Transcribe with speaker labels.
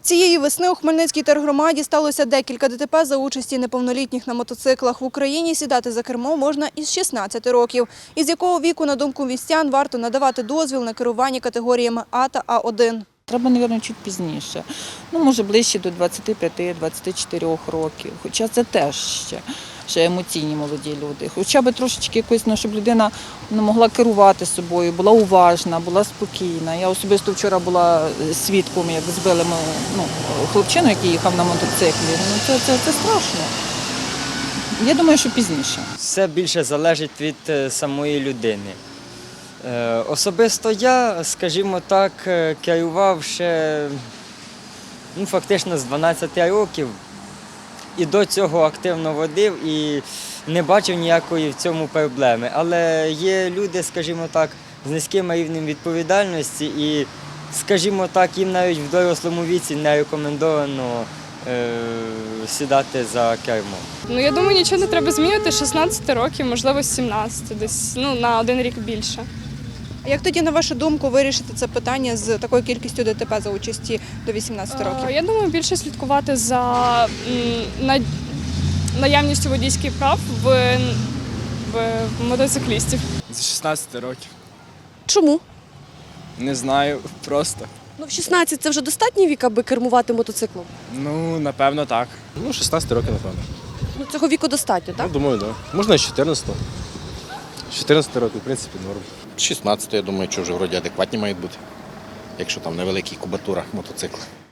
Speaker 1: Цієї весни у Хмельницькій тергромаді сталося декілька ДТП за участі неповнолітніх на мотоциклах. В Україні сідати за кермо можна із 16 років. Із якого віку, на думку містян, варто надавати дозвіл на керування категоріями А та А1?
Speaker 2: Треба, мабуть, чуть пізніше. Може, ближче до 25-24 років. Хоча це теж ще емоційні молоді люди. Хоча б трошечки якось, щоб людина могла керувати собою, була уважна, була спокійна. Я особисто вчора була свідком, як збили хлопчину, який їхав на мотоциклі. Це страшно. Я думаю, що пізніше.
Speaker 3: Все більше залежить від самої людини. Особисто я, скажімо так, керував ще фактично з 12 років і до цього активно водив і не бачив ніякої в цьому проблеми. Але є люди, скажімо так, з низьким рівнем відповідальності і, скажімо так, їм навіть в дорослому віці не рекомендовано сідати за кермо.
Speaker 4: Я думаю, нічого не треба змінювати. 16 років, можливо, 17, десь на один рік більше.
Speaker 1: А як тоді, на вашу думку, вирішити це питання з такою кількістю ДТП за участі до 18 років?
Speaker 4: Я думаю, більше слідкувати за наявністю водійських прав в мотоциклістів.
Speaker 5: З 16 років.
Speaker 6: Чому?
Speaker 5: Не знаю, просто.
Speaker 6: В 16 це вже достатній вік, аби кермувати мотоциклом?
Speaker 5: Напевно, так.
Speaker 7: 16 років, напевно.
Speaker 6: Цього віку достатньо, так?
Speaker 7: Думаю, так. Да. Можна і з 14. З 14 років, в принципі, норм.
Speaker 8: 16, я думаю, що вже вроді адекватні мають бути, якщо там невелика кубатура мотоцикла.